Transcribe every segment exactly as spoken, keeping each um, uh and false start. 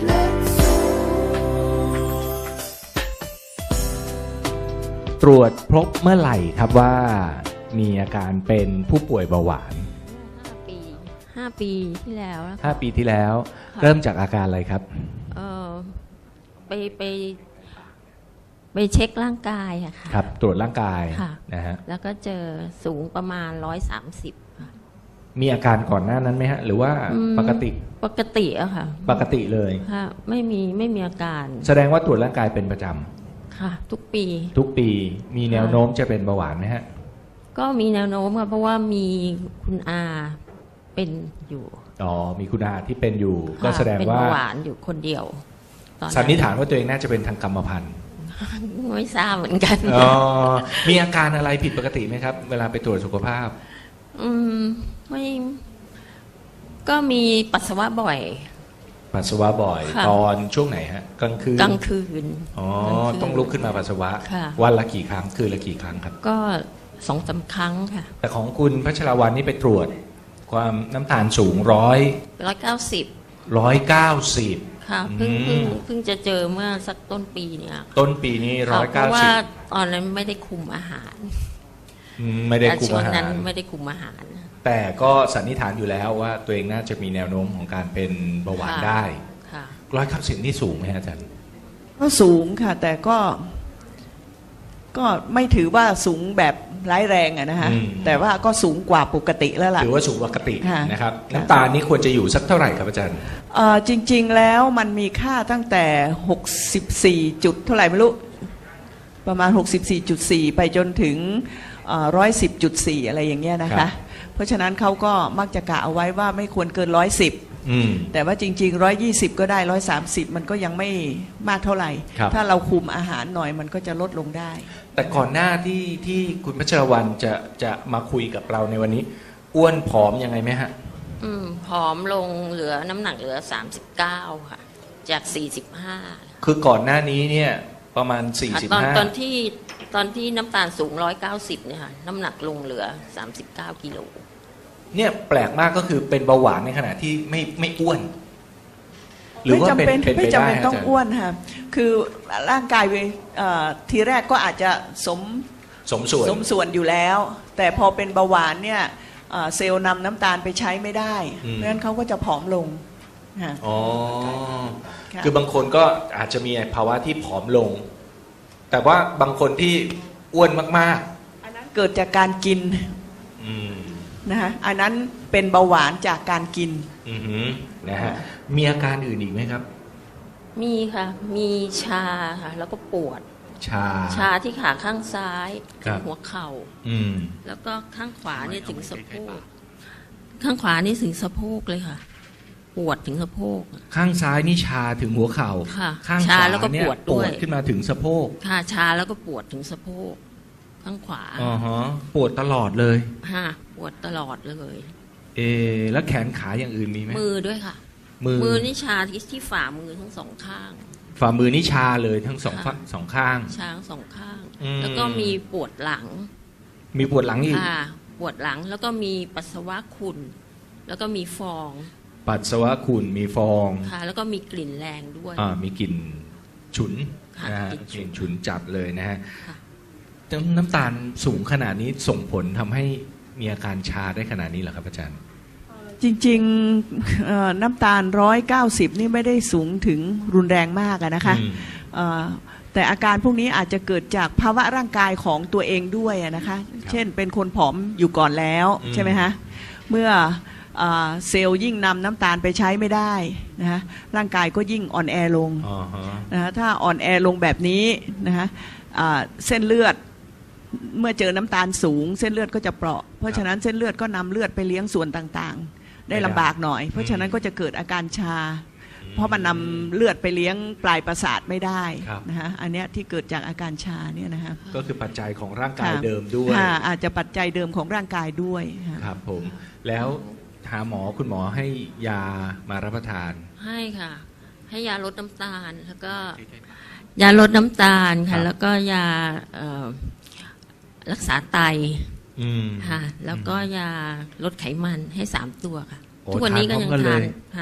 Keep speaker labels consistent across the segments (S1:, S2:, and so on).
S1: ตรวจพบเมื่อไหร่ครับว่ามีอาการเป็นผู้ป่วยเบาหวาน
S2: ห้าปีห้าปีที่แล้วนะคะ
S1: ห้าปีที่แล้ว
S2: ค่ะ
S1: เริ่มจากอาการอะไรครับ
S2: เออไปไปไปเช็คร่างกายอะค่ะ
S1: ครับตรวจร่างกาย
S2: ค่ะ
S1: นะฮะ
S2: แล้วก็เจอสูงประมาณร้อยสามสิบค่ะ
S1: มีอาการก่อนหน้านั้นไหมฮะหรือว่า
S2: อืม
S1: ปกติ
S2: ปกติอะค่ะ
S1: ปกติเลย
S2: ค่ะไม่มีไม่มีอาการ
S1: แสดงว่าตรวจร่างกายเป็นประจ
S2: ค่ะ ทุกปี
S1: ำทุกปีมีแนวโน้มจะเป็นเบาหวานไหมฮะ
S2: ก็มีแนวโน้มค่ะเพราะว่ามีคุณอาเป็นอยู่
S1: อ๋อมีคุณอาที่เป็นอยู่
S2: ค่ะ
S1: ก็แสดงว่า
S2: เป็นเบาหวานอยู่คนเดียวตอน
S1: สันนิษฐานว่าตัวเองน่าจะเป็นทางกรรมพันธุ์
S2: ไม่ทราบเหมือนกัน
S1: อ๋อมีอาการอะไรผิดปกติไหมครับ เวลาไปตรวจสุขภาพ
S2: อืมไม่ก็มีปัสสาวะบ่อย
S1: ปัสสาวะบ่อย
S2: ค่ะ
S1: ตอนช่วงไหนฮะกลางคืน
S2: กลางคืน
S1: อ๋อก
S2: ลางคืน
S1: ต้องลุกขึ้นมาปัสสาวะ
S2: ค่ะ
S1: วันละกี่ครั้งคืนละกี่ครั้งครับ
S2: ก็สองสามครั้งค่ะ
S1: แต่ของคุณพัชรวรรณนี่ไปตรวจ ความน้ำตาลสูงร้อย
S2: ร้อยเก้าสิบ
S1: ร้อยเก้าสิบ
S2: ค่ะเพิ่ง
S1: อื
S2: เพิ่ง
S1: ม
S2: เพิ่งจะเจอเมื่อสักต้นปีเนี่ย
S1: ต้นปีนี้ร้
S2: ค่ะ
S1: อย
S2: เพ
S1: เก้า
S2: ราะ
S1: สิ
S2: ว่า
S1: บ
S2: ตอนนั้นไม่ได้คุมอาหาร
S1: ไม่ได้คุม
S2: ช่วง
S1: อาหา
S2: นั้น
S1: ร
S2: ไม่ได้คุมอาหาร
S1: แต่ก็สันนิษฐานอยู่แล้วว่าตัวเองน่าจะมีแนวโน้มของการเป็นเบาหวาน
S2: ค่ะ
S1: ได้
S2: ค่ะ
S1: ร้อยเก้าสิบนี่สูงไหมฮะอาจารย์
S3: ก็สูงค่ะ แต่ก็ก็ไม่ถือว่าสูงแบบร้ายแรงอะนะคะแต่ว่าก็สูงกว่าปกติแล้วล่ะ
S1: ถือว่าสูงปกติ
S3: ค่ะ
S1: นะครับ
S3: ค่ะ
S1: น้ำตาลนี่ควรจะอยู่สักเท่าไหร่ครับอาจารย์
S3: เอ่อจริง ๆ แล้วมันมีค่าตั้งแต่หกสิบสี่จุดเท่าไหร่ไม่รู้ ประมาณ หกสิบสี่จุดสี่ ไปจนถึงหนึ่งร้อยสิบจุดสี่ อะไรอย่างเงี้ยนะ
S1: ครั
S3: คะ
S1: บ
S3: เพราะฉะนั้นเขาก็มักจะกะเอาไว้ว่าไม่ควรเกินร้อยสิบ
S1: อืม
S3: แต่ว่าจริงๆหนึ่งร้อยยี่สิบก็ได้หนึ่งร้อยสามสิบมันก็ยังไม่มากเท่าไหร่
S1: ครับ
S3: ถ้าเราคุมอาหารหน่อยมันก็จะลดลงได้
S1: แต่ก่อนหน้าที่ที่คุณพัชรวรรณจะจะมาคุยกับเราในวันนี้ อ้วนผอมยังไงไหมฮะ
S2: อืมผอมลงเหลือน้ำหนักเหลือสามสิบเก้าค่ะ จากสี่สิบห้า
S1: คือก่อนหน้านี้เนี่ยประมาณ
S2: ตอน
S1: สี่สิบห้า
S2: ตอนที่ตอนที่น้ำตาลสูงร้อยเก้าสิบเนี่ยค่ะน้ำหนักลงเหลือสามสิบเก้ากิโล
S1: เนี่ยแปลกมากก็คือเป็นเบาหวานในขณะที่ไม่ไม่อ้วน หรือ
S3: ไม่
S1: ว่า
S3: จำ
S1: เป็น
S3: เป็น
S1: เป็น
S3: ไม่
S1: ไป
S3: จำ
S1: ได้
S3: เป็น
S1: ฮะ
S3: ต้อง
S1: อาจารย์
S3: อ้วนค่ะคือร่างกายเวเอ่อทีแรกก็อาจจะสม
S1: สมส่วน
S3: สมส่วนอยู่แล้ว แต่พอเป็นเบาหวานเนี่ยเอ่อเซลล์นำน้ำตาลไปใช้ไม่ได้
S1: อืม
S3: เพราะฉะนั้นเขาก็จะผอมลงค่ะ
S1: อ๋อ
S3: ค่ะ
S1: คือบางคนก็อาจจะมีภาวะที่ผอมลง แต่ว่าบางคนที่อ้วนมาก
S3: อันนั้นเกิดจากการกิน
S1: ๆ อืม
S3: นะคะอันนั้นเป็นเบาหวานจากการกิน
S1: อือหือนะฮะมีอาการอื่นอีกไหมครับ
S2: มีค่ะ มีชาค่ะ แล้วก็ปวด
S1: ชา
S2: ชาที่ขาข้างซ้าย
S1: ครั
S2: ถึ
S1: บ
S2: งหัวเข่า
S1: อืม
S2: แล้วก็ข้างขวาเนี่ยถึงสะโพก ข้างขวานี่ถึงสะโพกเลยค่ะ ปวดถึงสะโพก
S1: ข้างซ้ายนี่ชาถึงหัวเข่า
S2: ค่ะ
S1: ข้างข
S2: ชาว
S1: า
S2: แล้วก็
S1: เนี่
S2: ป
S1: ยว
S2: ด
S1: ป
S2: ด้
S1: ว
S2: วย
S1: ดขึ้นมาถึงสะโพก
S2: ค่ะชาแล้วก็ปวดถึงสะโพก ข้างขวา
S1: อ๋อฮะปวดตลอดเลย
S2: ค่ะ ปวดตลอดเลย
S1: เออแล้วแขนขาอย่างอื่นมีไหม
S2: มือด้วยค่ะ
S1: มือ
S2: มือนี่ชาที่ที่ฝ่ามือทั้งสองข้าง
S1: ฝ่ามือนี่ชาเลยทั้งสอง
S2: ค่ะ
S1: ฝั่งสองข้าง
S2: ชาทั้งสองข้าง
S1: อืม
S2: แล้วก็มีปวดหลัง
S1: มีปวดหลังอีก
S2: ค่ะ ปวดหลังแล้วก็มีปัสสาวะขุ่นแล้วก็มีฟอง
S1: ปัสสาวะขุ่นมีฟอง
S2: ค่ะ แล้วก็มีกลิ่นแรงด้วย
S1: อ่ามีกลิ่นฉุน
S2: ค่ะ
S1: นะฮะ
S2: กลิ่นฉุน
S1: กลิ่นฉุนจัดเลยนะฮะ
S2: ค่ะ
S1: น้ำน้ำตาลสูงขนาดนี้ส่งผลทำให้มีอาการชาได้ขนาดนี้เหรอครับอาจารย์
S3: จริงๆเอ่อน้ำตาลร้อยเก้าสิบนี่ไม่ได้สูงถึงรุนแรงมากอะนะคะ
S1: อืม
S3: เอ่อแต่อาการพวกนี้อาจจะเกิดจากภาวะร่างกายของตัวเองด้วยอะนะคะ เช่นเป็นคนผอมอยู่ก่อนแล้ว
S1: อืม
S3: ใช่ไหมคะเมื่อเอ่อเซลล์ยิ่งนำน้ำตาลไปใช้ไม่ได้นะคะร่างกายก็ยิ่งอ่อนแอลง
S1: อ๋อฮะ
S3: นะคะถ้าอ่อนแอลงแบบนี้นะคะอ่าเส้นเลือดเมื่อเจอน้ำตาลสูง เส้นเลือดก็จะเปราะ เพราะฉะนั้นเส้นเลือดก็นำเลือดไปเลี้ยงส่วนต่างๆ ได้ลำบากหน่อย เพราะฉะนั้นก็จะเกิดอาการชา เพราะมันนำเลือดไปเลี้ยงปลายประสาทไม่ได้นะคะอันเนี้ยที่เกิดจากอาการชาเนี่ยนะคะ
S1: ก็คือปัจจัยของร่างกาย
S3: ค่ะ
S1: เดิมด้วย
S3: ค่ะอาจจะปัจจัยเดิมของร่างกายด้วยค่ะ
S1: ครับผม แล้วหาหมอคุณหมอให้ยามารับประทาน
S2: ให้ค่ะ ให้ยาลดน้ำตาลแล้วก็ ยาลดน้ำตาล
S1: ครั
S2: ค่ะ
S1: บ
S2: แล้วก็ยาเอ่อรักษาไต
S1: อืม
S2: ค่ะ แล้วก็ยาลดไขมันให้สามตัวค่ะ
S1: โอ้
S2: ทุกวันนี้ก็
S1: ทาน
S2: ยัง
S1: พร้อมกันเล
S2: ทาน
S1: ย
S2: ค่ะ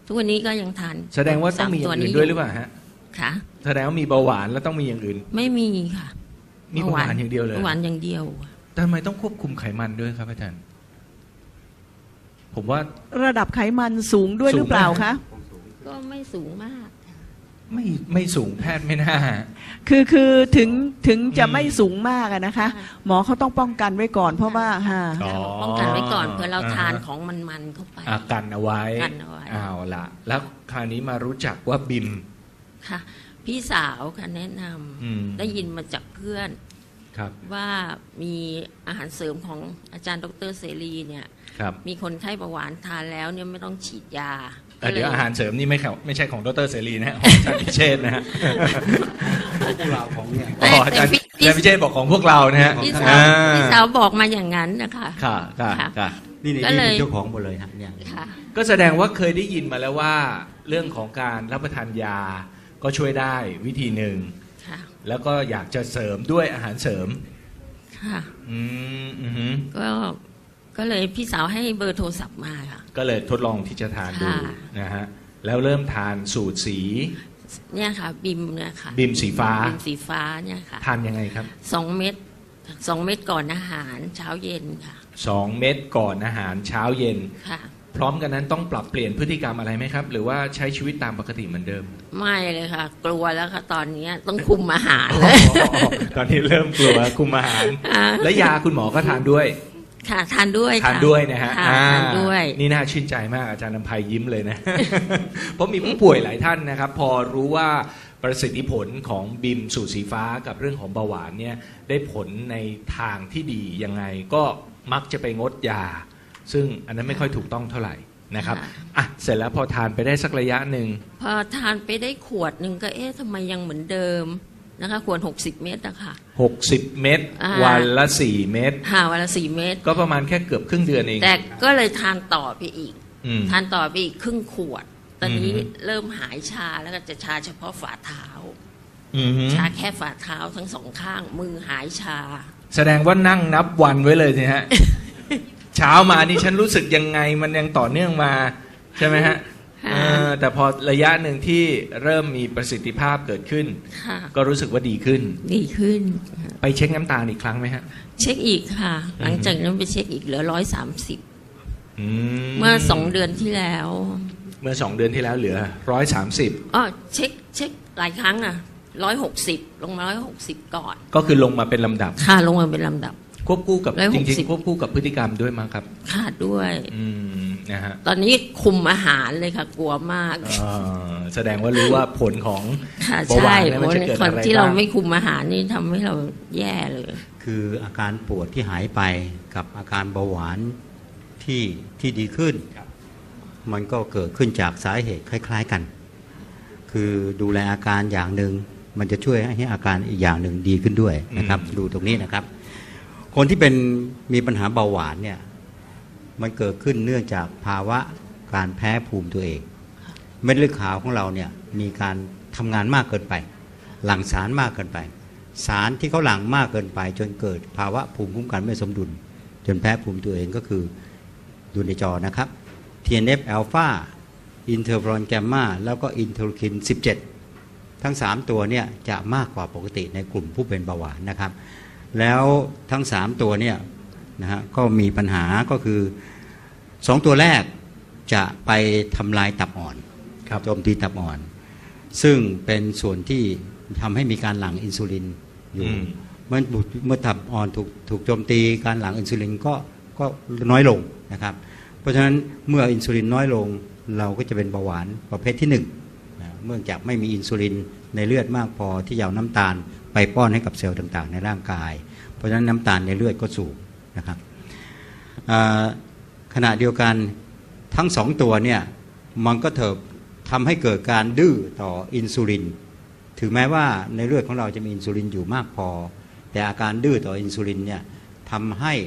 S2: ทุกวันนี้ก็ยังทาน
S1: แสดงว่าต้องมีอย่างอื่นด้วยหรือเปล่าฮะ
S2: ค่ะ
S1: แสดงว่ามีเบาหวานแล้วต้องมีอย่างอื่น
S2: ไม่มีค่ะ
S1: มีเบาหวานอย่างเดียวเลย
S2: เบาหวานอย่างเดียว
S1: แต่ทำไมต้องควบคุมไขมันด้วยครับอาจารย์ ผมว่า
S3: ระดับไขมันสูงด้วยหรือเปล่าคะ
S2: ก็ไม่สูงมาก
S1: ไม่ไม่สูงแพทย์ไม่น่า
S3: คือคือถึงถึงจะ
S1: อืม
S3: ไม่สูงมากอะนะคะ
S2: ค่ะ
S3: หมอเขาต้องป้องกันไว้ก่อน เพราะว่าฮะ
S1: อ๋อ
S2: ป้องกันไว้ก่อนเผื่อเราทาน
S1: อ่าฮะ
S2: ของมันๆเข้าไป
S1: อากันเอาไว้
S2: กันเอาไว้
S1: เอาละแล้วคราวนี้มารู้จักว่าบิม
S2: ค่ะ พี่สาวค่ะแนะน
S1: อืม
S2: ำได้ยินมาจากเพื่อน
S1: ครับ
S2: ว่ามีอาหารเสริมของอาจารย์ดรเสรีเนี่ย
S1: ครับ
S2: มีคนไข้เบาหวานทานแล้วเนี่ยไม่ต้องฉีดยา
S1: เอ่อเดี๋ยว
S2: ก็ล
S1: อาหารเสริมนี่ไม่เข้าไม่ใช่ของดรเสรีนะฮะของอาจารย์พิเชษฐ์นะฮะ
S4: พวกเราของเนี่ย
S1: อ๋ออาจารย์
S2: แต่พี่
S1: อาจารย์พิเชษฐ์บอกของพวกเรานะฮะ
S2: พี่สาว
S1: อ่า
S2: พี่สาวบอกมาอย่างนั้นนะคะ
S1: ค่ะค่ะ
S2: ค่ะ
S1: ค่ะ
S4: นี่นี่
S2: ก็เลย
S4: เป็นเจ้าของหมดเลยฮะเนี่ย
S2: ค่ะ
S1: ก็แสดงว่าเคยได้ยินมาแล้วว่า เรื่องของการรับประทานยาก็ช่วยได้วิธีหนึ่ง
S2: ค่ะ
S1: แล้วก็อยากจะเสริมด้วยอาหารเสริม
S2: ค่ะ
S1: อืมอือหือ
S2: ก็ก็เลยพี่สาวให้เบอร์โทรศัพท์มาค่ะ
S1: ก็เลยทดลองที่จะทานดู
S2: ค่ะ
S1: นะฮะแล้วเริ่มทานสูตรสี
S2: เนี่ยค่ะ บิมเนี่ยค่ะ
S1: บิมสีฟ้า
S2: บิมสีฟ้าเนี่ยค่ะ
S1: ทานยังไงครับ
S2: สองเม็ดสองเม็ดก่อนอาหารเช้าเย็นค่ะ
S1: สองเม็ดก่อนอาหารเช้าเย็น
S2: ค่ะ
S1: พร้อมกันนั้นต้องปรับเปลี่ยนพฤติกรรมอะไรไหมครับ หรือว่าใช้ชีวิตตามปกติเหมือนเดิม
S2: ไม่เลยค่ะ กลัวแล้วค่ะ ตอนนี้ต้องคุมอาหารเลย
S1: ตอนนี้เริ่มกลัวคุมอาหาร
S2: อ่า
S1: และยาคุณหมอก็ทานด้วย
S2: ค่ะทานด้วย
S1: ทาน
S2: ค่ะ
S1: ด้วยนะฮะ
S2: ค่ะ
S1: อ่
S2: ทานด้วย
S1: นี่น่าชื่นใจมากอาจารย์นำภัยยิ้มเลยนะ เพราะมีผู้ป่วยหลายท่านนะครับ พอรู้ว่าประสิทธิผลของบิมสูตรสีฟ้ากับเรื่องของเบาหวานเนี่ยได้ผลในทางที่ดียังไงก็มักจะไปงดยา ซึ่งอันนั้นไม่ค่อยถูกต้องเท่าไหร่นะครับอ่ะเสร็จแล้วพอทานไปได้สักระยะหนึ่ง
S2: พอทานไปได้ขวดหนึ่งก็เอ๊ะทำไมยังเหมือนเดิมนะคะขวดหกสิบเม็ดอะค่ะ
S1: หกสิบเม็ด
S2: อ่า
S1: วันละสี่เม็ด
S2: หาวันละสี่เม็ด
S1: ก็ประมาณแค่เกือบครึ่งเดือนเอง
S2: แต่ก็เลยทานต่อไปอีก
S1: อืม
S2: ทานต่อไปอีกครึ่งขวด ตอนนี้
S1: อืม
S2: เริ่มหายชาแล้วก็จะชาเฉพาะฝ่าเท้า
S1: อือหือ
S2: ชาแค่ฝ่าเท้าทั้งสองข้าง มือหายชา
S1: แสดงว่านั่งนับวันไว้เลยสิฮะ เช้ามานี่ฉันรู้สึกยังไงมันยังต่อเนื่องมาใช่ไหมฮะ
S2: ค่ะ
S1: เออแต่พอระยะหนึ่งที่เริ่มมีประสิทธิภาพเกิดขึ้น
S2: ค่ะ
S1: ก็รู้สึกว่าดีขึ้น
S2: ดีขึ้น
S1: ไปเช็คน้ำตาลอีกครั้งไหมฮะ
S2: เช็คอีกค่ะ หลังจากนั้นไปเช็คอีกเหลือร้อยสามสิบ
S1: อื
S2: เมื่อสองเดือนที่แล้ว
S1: เมื่อสองเดือนที่แล้วเหลือร้อยสามสิบ
S2: อ๋อเช็คเช็คหลายครั้งอ่ะร้อยหกสิบลงมาร้อยหกสิบก่อน
S1: ก็คือลงมาเป็นลำดับ
S2: ค่ะลงมาเป็นลำดับ
S1: ควบคู่กับ
S2: ร้อย
S1: จ
S2: หกสิบ
S1: ริงๆควบคู่กับพฤติกรรมด้วยมั้งครับ
S2: ค่ะด้วย
S1: อืมนะฮะ
S2: ตอนนี้คุมอาหารเลยค่ะ กลัวมาก
S1: เอ่อแสดงว่ารู้ว่าผลของ
S2: ค่ะ
S1: เบาห
S2: ใช่
S1: วานเนี่ยมันจะเกิด
S2: คน
S1: อะไร
S2: ที่เรา
S1: บ้าง
S2: ไม่คุมอาหารนี่ทำให้เราแย่เลย
S4: คืออาการปวดที่หายไปกับอาการเบาหวานที่ที่ดีขึ้น มันก็เกิดขึ้นจากสาเหตุคล้าย ๆกัน คือดูแลอาการอย่างหนึ่งมันจะช่วยให้อาการอีกอย่างหนึ่งดีขึ้นด้วยนะครับ ดูตรงนี้นะครับ คนที่เป็นมีปัญหาเบาหวานเนี่ยมันเกิดขึ้นเนื่องจากภาวะการแพ้ภูมิตัวเอง เม็ดเลือดขาวของเราเนี่ยมีการทำงานมากเกินไป หลั่งสารมากเกินไป สารที่เขาหลั่งมากเกินไป จนเกิดภาวะภูมิคุ้มกันไม่สมดุล จนแพ้ภูมิตัวเองก็คือดูในจอนะครับ ที เอ็น เอฟ อัลฟา อินเทอร์ฟรอนแกมมาแล้วก็อินเทอร์คิน สิบเจ็ด ทั้ง สาม ตัวเนี่ยจะมากกว่าปกติในกลุ่มผู้เป็นเบาหวานนะครับ แล้วทั้ง สาม ตัวเนี่ยนะฮะก็มีปัญหาก็คือ สอง ตัวแรกจะไปทำลายตับอ่อน
S1: ครับ
S4: โจมตีตับอ่อน ซึ่งเป็นส่วนที่ทำให้มีการหลั่งอินซูลินอยู่
S1: อืม
S4: เมื่อเมื่อตับอ่อนถูกถูกโจมตีการหลั่งอินซูลินก็ก็น้อยลงนะครับ เพราะฉะนั้นเมื่ออินซูลินน้อยลงเราก็จะเป็นเบาหวานประเภทที่หนึ่งนะเมื่อจากไม่มีอินซูลินในเลือดมากพอที่จะเอาน้ำตาลไปป้อนให้กับเซลล์ต่างๆ ในร่างกาย เพราะฉะนั้นน้ำตาลในเลือดก็สูงนะครับอ่าขณะเดียวกันทั้งสองตัวเนี่ยมันก็เถิบทำให้เกิดการดื้อต่ออินซูลินถึงแม้ว่าในเลือดของเราจะมีอินซูลินอยู่มากพอแต่อาการดื้อต่ออินซูลินเนี่ยทำให้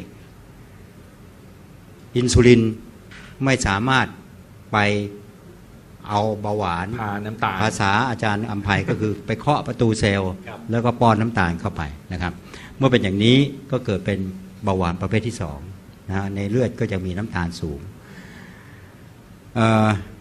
S4: อินซูลินไม่สามารถไปเอาเบาหวาน
S1: พาน้ำตาล
S4: ภาษาอาจารย์อัมภัยก็คือไปเคาะประตูเซลล์
S1: ครับ
S4: แล้วก็ป้อนน้ำตาลเข้าไปนะครับเมื่อเป็นอย่างนี้ก็เกิดเป็นเบาหวานประเภทที่สองนะฮะในเลือดก็จะมีน้ำตาลสูงเอ่อ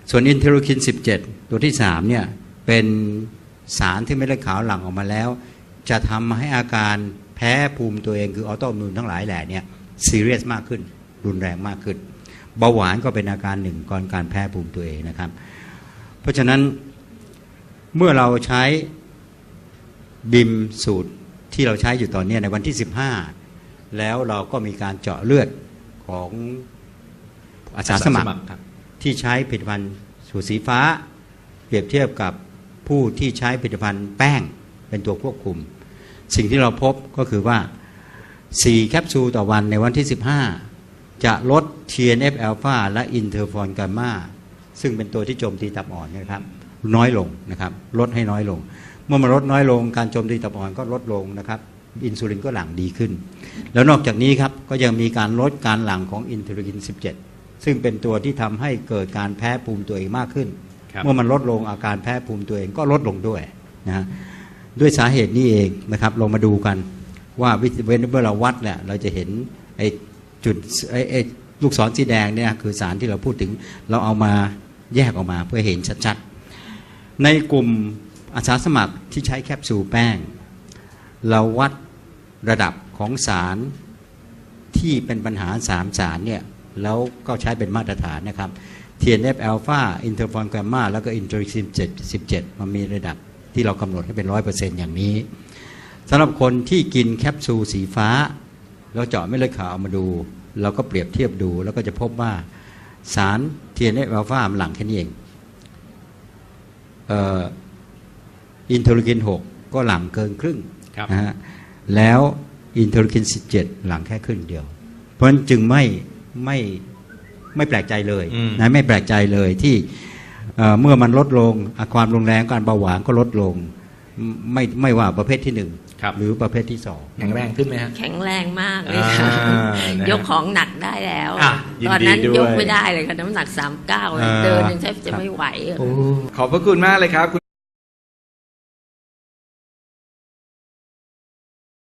S4: ส่วนอินเทอร์ลูคินสิบเจ็ดตัวที่สามเนี่ยเป็นสารที่เม็ดเลือดขาวหลั่งออกมาแล้ว จะทำให้อาการแพ้ภูมิตัวเองคือออโตอิมมูนทั้งหลายแหล่เนี่ยซีเรียสมากขึ้นรุนแรงมากขึ้นเบาหวานก็เป็นอาการหนึ่งก่อนการแพ้ภูมิตัวเองนะครับเพราะฉะนั้นเมื่อเราใช้บิมสูตรที่เราใช้อยู่ตอนนี้ในวันที่สิบห้าแล้วเราก็มีการเจาะเลือดของอาสาสมัคร
S1: ครับ
S4: ที่ใช้ผลิตภัณฑ์สูตรสีฟ้าเปรียบเทียบกับผู้ที่ใช้ผลิตภัณฑ์แป้งเป็นตัวควบคุมสิ่งที่เราพบก็คือว่าสี่แคปซูลต่อวันในวันที่สิบห้าจะลด ที เอ็น เอฟ อลฟา และอินเทอร์ฟอนกามาซึ่งเป็นตัวที่โจมตีตับอ่อนนะครับน้อยลงนะครับลดให้น้อยลงเมื่อมันลดน้อยลงการโจมตีตับอ่อนก็ลดลงนะครับอินซูลินก็หลั่งดีขึ้นแล้วนอกจากนี้ครับก็ยังมีการลดการหลั่งของอินเทอร์ลูคินสิบเจ็ดซึ่งเป็นตัวที่ทำให้เกิดการแพ้ภูมิตัวเองมากขึ้นเมื่อมันลดลงอาการแพ้ภูมิตัวเองก็ลดลงด้วยนะด้วยสาเหตุนี้เองนะครับเรามาดูกันว่าเมื่อเราวัดเนี่ยเราจะเห็นไอ้จุดไอ้ไอ้ลูกศรสีแดงเนี่ยคือสารที่เราพูดถึงเราเอามาแยกออกมาเพื่อเห็นชัดๆในกลุ่มอาสาสมัครที่ใช้แคปซูลแป้งเราวัดระดับของสารที่เป็นปัญหาสามสารเนี่ยแล้วก็ใช้เป็นมาตรฐานนะครับ ที เอ็น เอฟ อลฟา อินเทอร์ฟอนกามาแล้วก็อินเทอร์ลูคินสิบเจ็ดมันมีระดับที่เรากำหนดให้เป็น ร้อยเปอร์เซ็นต์ อย่างนี้สำหรับคนที่กินแคปซูลสีฟ้าเราเจาะเม็ดเลือดขาวมาดูเราก็เปรียบเทียบดูแล้วก็จะพบว่าสาร ที เอ็น เอฟ อลฟามันหลั่งแค่นี้เองเอ่ออินเทอร์ลูคินหกก็หลั่งเกินครึ่งนะฮะแล้วอินเทอร์ลูคินสิบเจ็ดหลั่งแค่ครึ่งเดียวเพราะฉะนั้นจึงไม่ไม่ไม่แปลกใจเลยนะไม่แปลกใจเลยที่เอ่อเมื่อมันลดลงความรุนแรงการเบาหวานก็ลดลงไม่ไม่ว่าประเภทที่หนึ่งหรือประเภทที่สอง
S1: แข็งแรงขึ้นไหมฮะ
S2: แข็งแรงมากเลยค่ะ
S1: อ่านะฮะ
S2: ยกของหนักได้แล้ว
S1: อ่ะยินดี
S2: ตอนนั้น
S1: ด้วย
S2: ยกไม่ได้เลยค่ะน้ำหนักสามเก้า
S1: อ่า
S2: เดินยังแทบจะไม่ไหวอะ
S1: ขอบพระคุณมากเลยครับ